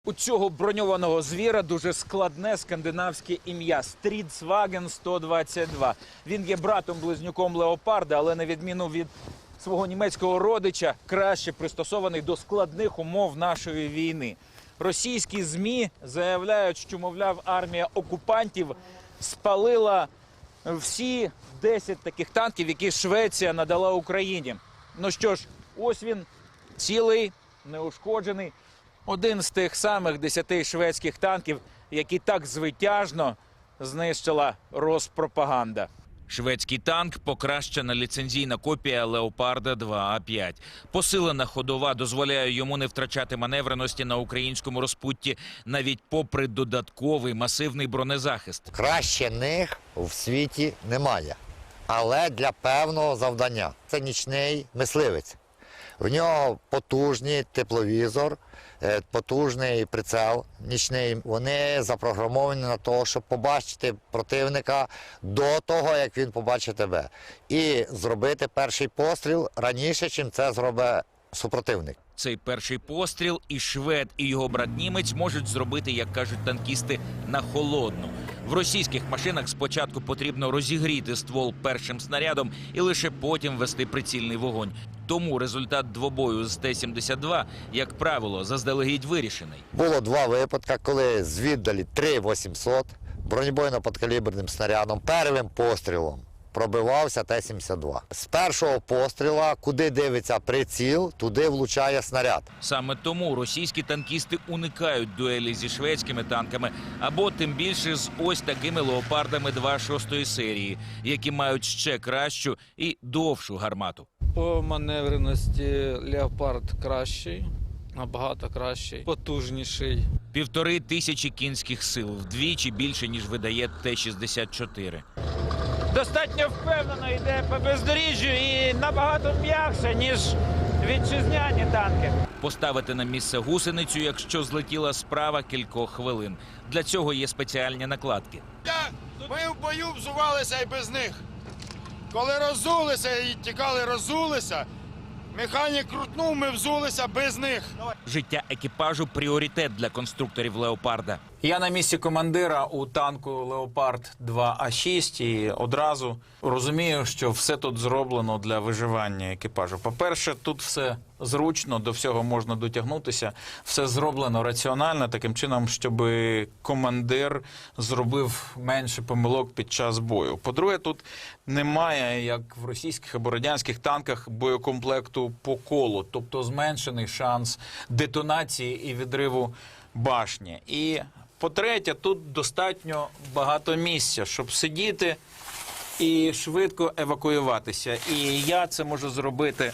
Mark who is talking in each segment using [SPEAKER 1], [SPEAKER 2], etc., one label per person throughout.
[SPEAKER 1] У цього броньованого звіра дуже складне скандинавське ім'я – Стрідсваген 122. Він є братом-близнюком леопарда, але на відміну від свого німецького родича, краще пристосований до складних умов нашої війни. Російські ЗМІ заявляють, що, мовляв, армія окупантів спалила всі 10 таких танків, які Швеція надала Україні. Ну що ж, ось він, цілий, неушкоджений. Один з тих самих 10 шведських танків, які так звитяжно знищила Роспропаганда. Шведський танк – покращена ліцензійна копія Леопарда 2А5. Посилена ходова дозволяє йому не втрачати маневреності на українському розпутті, навіть попри додатковий масивний бронезахист.
[SPEAKER 2] Краще них в світі немає, але для певного завдання. Це нічний мисливець. В нього потужний тепловізор, потужний прицел нічний. Вони запрограмовані на те, щоб побачити противника до того, як він побачить тебе. І зробити перший постріл раніше, чим це зробить супротивник.
[SPEAKER 1] Цей перший постріл і швед, і його брат-німець можуть зробити, як кажуть танкісти, на холодну. В російських машинах спочатку потрібно розігріти ствол першим снарядом і лише потім вести прицільний вогонь. Тому результат двобою з Т-72, як правило, заздалегідь вирішений.
[SPEAKER 2] Було 2 випадки, коли з віддалі 3-800 бронебойно-подкаліберним снарядом первим пострілом пробивався Т-72. З першого постріла, куди дивиться приціл, туди влучає снаряд.
[SPEAKER 1] Саме тому російські танкісти уникають дуелі зі шведськими танками або тим більше з ось такими леопардами 2-6 серії, які мають ще кращу і довшу гармату.
[SPEAKER 3] По маневреності Леопард кращий, набагато кращий, потужніший.
[SPEAKER 1] 1500 кінських сил, вдвічі більше, ніж видає Т-64. Достатньо впевнено йде по бездоріжжю і набагато м'якше, ніж вітчизняні танки. Поставити на місце гусеницю, якщо злетіла справа, кількох хвилин. Для цього є спеціальні накладки.
[SPEAKER 4] Ми в бою взувалися і без них. Коли роззулися і тікали, роззулися, механік крутнув, ми взулися без них.
[SPEAKER 1] Життя екіпажу – пріоритет для конструкторів «Леопарда».
[SPEAKER 3] Я на місці командира у танку Леопард 2А6 і одразу розумію, що все тут зроблено для виживання екіпажу. По-перше, тут все зручно, до всього можна дотягнутися. Все зроблено раціонально, таким чином, щоб командир зробив менше помилок під час бою. По-друге, тут немає, як в російських або радянських танках, боєкомплекту по колу, тобто зменшений шанс детонації і відриву башні. І по-третє, тут достатньо багато місця, щоб сидіти і швидко евакуюватися. І я це можу зробити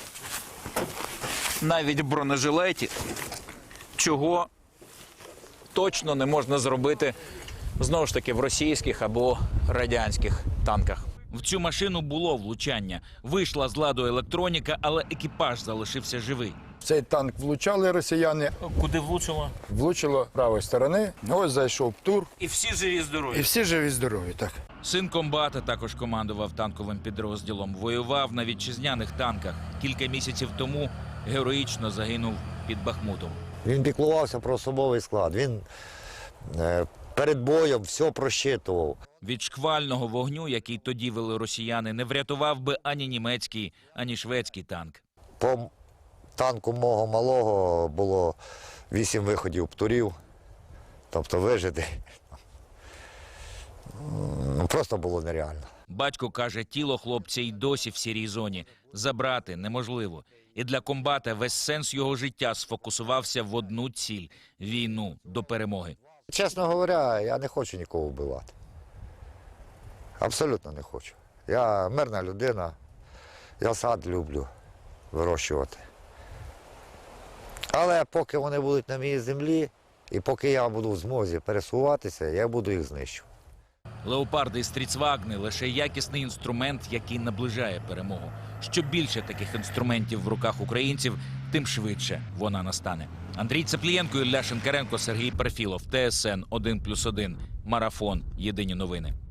[SPEAKER 3] навіть в бронежилеті, чого точно не можна зробити, знову ж таки, в російських або радянських танках.
[SPEAKER 1] В цю машину було влучання. Вийшла з ладу електроніка, але екіпаж залишився живий.
[SPEAKER 5] В цей танк влучали росіяни,
[SPEAKER 1] Куди влучило?
[SPEAKER 5] влучило правої сторони. Ось зайшов птур.
[SPEAKER 1] І всі живі здорові.
[SPEAKER 5] І всі живі здорові, так.
[SPEAKER 1] Син комбата також командував танковим підрозділом. Воював на вітчизняних танках. Кілька місяців тому героїчно загинув під Бахмутом.
[SPEAKER 2] Він піклувався про особовий склад. Він перед боєм все просчитував.
[SPEAKER 1] Від шквального вогню, який тоді вели росіяни, не врятував би ані німецький, ані шведський танк.
[SPEAKER 2] По танку мого малого було 8 виходів птурів, тобто вижити просто було нереально.
[SPEAKER 1] Батько каже, тіло хлопця й досі в сірій зоні. Забрати неможливо. І для комбата весь сенс його життя сфокусувався в одну ціль – війну до перемоги.
[SPEAKER 2] Чесно говоря, я не хочу нікого вбивати. Абсолютно не хочу. Я мирна людина, я сад люблю вирощувати. Але поки вони будуть на моїй землі, і поки я буду в змозі пересуватися, я буду їх знищувати.
[SPEAKER 1] Леопарди і Стрідсвагни – лише якісний інструмент, який наближає перемогу. Що більше таких інструментів в руках українців, тим швидше вона настане. Андрій Цеплієнко, Ілля Шинкаренко, Сергій Перфілов, ТСН 1+1, Марафон. Єдині новини.